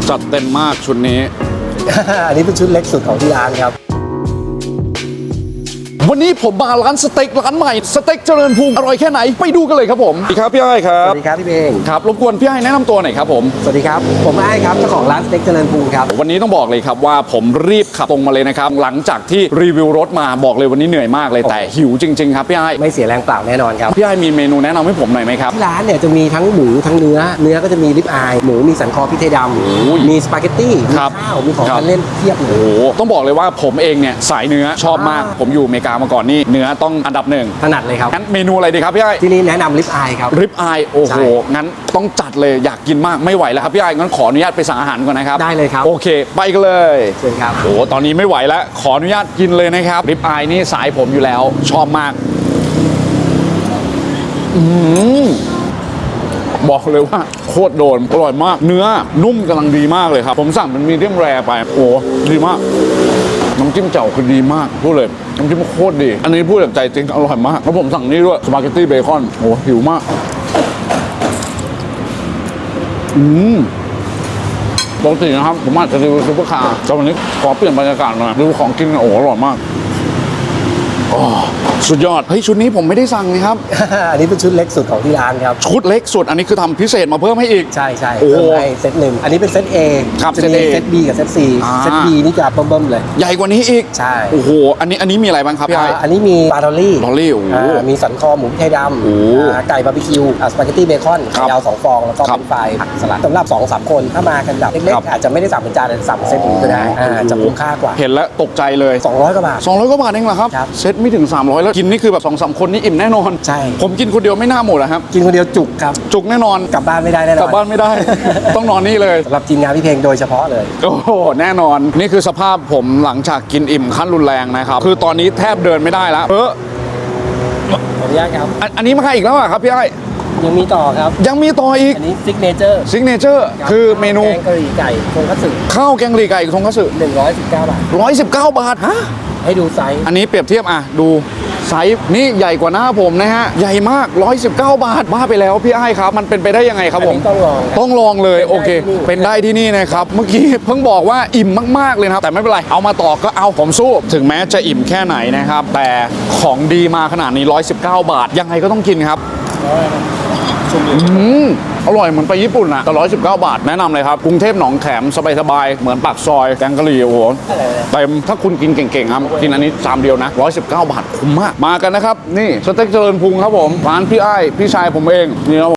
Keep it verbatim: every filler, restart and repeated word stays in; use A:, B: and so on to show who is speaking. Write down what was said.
A: จัดเต็มมากชุดนี้
B: อันนี้เป็นชุดเล็กสุดของที่ร้านครับ
A: วันนี้ผมมาร้านสเต็กร้านใหม่สเต็กเจริญภูมิอร่อยแค่ไหนไปดูกันเลยครับผมสวัสดีครับพี่ไอ้ครั
B: ส
A: บ
B: วัสดีครับพี่เบง
A: ครับรบกวนพี่ไอ้แนะนำตัวหน่อยครับผม
B: สวัสดีครับผมไอ้ครับเจ้าของร้านสเต็กเจริญภูมิครับ
A: วันนี้ต้องบอกเลยครับว่าผมรีบขับตรงมาเลยนะครับหลังจากที่รีวิวรถมาบอกเลยวันนี้เหนื่อยมากเลยแต่หิวจริงๆครับพี่ไอ้
B: ไม่เสียแรงเปล่าแน่นอนครับ
A: พี่ไอ้มีเมนูแนะนำให้ผมหน่อยไหมครับ
B: ที่ร้านเนี่ยจะมีทั้งหมูทั้งเนื้อเนื้อก็จะมีริบอายหมูมีสันคอพริกไทยดำมีสปาเกตตี้มีข้าวมีของทานเล่นเทียบเลย
A: โอ้ต้องบอกเลยว่าผมเองเนี่ยสายเนื้อชอบมากผมอยู่อเมริกามาก่อนนี่เนื้อต้องอันดับหนึ่ง
B: ถนัดเลยครับ
A: งั้นเมนูอะไรดีครับพี่ไอ้
B: ที่นี่แนะนำริบอายครับ
A: ริบอายโอ้โหงั้นต้องจัดเลยอยากกินมากไม่ไหวแล้วครับพี่ไอ้งั้นขออนุญาตไปสั่งอาหารก่อนนะครับ
B: ได้เลยครับ
A: โอเคไปกันเลย
B: เชิญครับ
A: โอ้ตอนนี้ไม่ไหวแล้วขออนุญาตกินเลยนะครับริบอายนี่สายผมอยู่แล้วชอบมากอืมบอกเลยว่าโคตรโดนอร่อยมากเนื้อนุ่มกำลังดีมากเลยครับผมสั่งเป็นมีเดียมแรร์ไปโอ้ดีมากน้ำจิ้มเจ่าคือดีมากพูดเลยน้ำจิ้มโคตรดีอันนี้พูดจากใจจริงอร่อยมากแล้วผมสั่งนี่ด้วยสปาเกตตี้เบคอนโอ้หิวมากอืมปกตินะครับผมอาจจะรีวิวซุปเปอร์คาร์แต่วันนี้ขอเปลี่ยนบรรยากาศหน่อยรีวิวของกินโอ้อร่อยมากอ๋อสุดยอดเฮ้ยชุดนี้ผมไม่ได้สั่งนะครับ
B: อันนี้เป็นชุดเล็กสุดของที่ร้านครับ
A: ชุดเล็กสุดอันนี้คือทำพิเศษมาเพิ่มให้อีก
B: ใช่ใช่
A: โอ้
B: เพิ่มให้เซตหนึ่งอันนี้เป็นเซต A
A: ครับ
B: จะมีเซต B กับเซต C เซต B นี่จะเบิ่มๆเลย
A: ใหญ่กว่านี้อีก
B: ใช่
A: โอ้โหอันนี้อันนี้มีอะไรบ้างครับพี่ไอ้
B: อันนี้มีปลาดอลลี่
A: ดอลลี่โอ้โห
B: มีสันคอหมูพริกไทยดำไก่บาร์บีคิวสปาเกตตี้เบคอนยาวสองฟองแล้วก็เป็นไฟผักสลัดสำหรับ สองสาม คนถ้ามากันแบบเล็กๆอาจจะไม่ได้สั่งเป็นจานแต่สั่งเซตนี้ก็ได้จะคุ้มค่ากว่า
A: เห็นแล้วตกใจเลย
B: สองร้อยกว่าบาท
A: สองร้อยกว่าบาทเองเหรอครับเซตไม่ถึงสามร้อยแล้วกินนี่คือแบบ สองสาม คนนี่อิ่มแน่นอน
B: ใช่
A: ผมกินคนเดียวไม่น่าหมดนะครับ
B: กินคนเดียวจุกครับ
A: จุกแน่นอน
B: กลับบ้านไม่ได้แน่นอน
A: กลับบ้านไม่ได้ ต้องนอนนี่เลย
B: สำหรับทีมงานพี่เพลงโดยเฉพาะเลย
A: โอ้โหแน่นอนนี่คือสภาพผมหลังจากกินอิ่มขั้นรุนแรงนะครับคือตอนนี้แทบเดินไม่ได้แล้วเออ
B: ขออนุญาตครับ
A: อันนี้มาอีกแล้วอะครับพี่ไอ้
B: ยังมีต่อครับ
A: ยังมีต่ออีก
B: อันนี้ซิกเนเจอร์
A: ซิกเนเจอร์คือเมนู
B: แกงกะหรี่ไก่ทงคัตสึ
A: ข้าวแกงกะหรี่ไก่ทงคัตสึ
B: หนึ่งร้อยสิบเก้าบาท
A: ร้อยสิบเก้าบาทฮะ
B: ให้ดูไซส์
A: อันนี้เปรียบเทียบอ่ะดูไซส์นี่ใหญ่กว่าหน้าผมนะฮะใหญ่มากร้อยสิบเก้าบาทบ้าไปแล้วพี่ไอ้ครับมันเป็นไปได้ยังไงครับผม
B: ต้องลอง
A: ต้องลองเลยโอเคเป็นได้ที่นี่นะครับเมื่อกี้เพิ่งบอกว่าอิ่มมากๆเลยนะครับแต่ไม่เป็นไรเอามาต่อก็เอาผมสู้ถึงแม้จะอิ่มแค่ไหนนะครับแต่ของดีมาขนาดนี้ร้อยสิบเก้าบาทยังไงก็ต้องกินครับอืมอร่อยเหมือนไปญี่ปุ่นอะแต่ร้อยสิบเก้าบาทแนะนำเลยครับกรุงเทพหนองแขมสบายๆเหมือนปากซอยแกงกะหรี่โอ้โหเต็มถ้าคุณกินเก่งๆครับกินอันนี้ชามเดียวนะร้อยสิบเก้าบาทคุ้มมากมากันนะครับนี่สเต็กเจริญพุงครับผมร้านพี่ไอ้พี่ชายผมเองนี่ครับ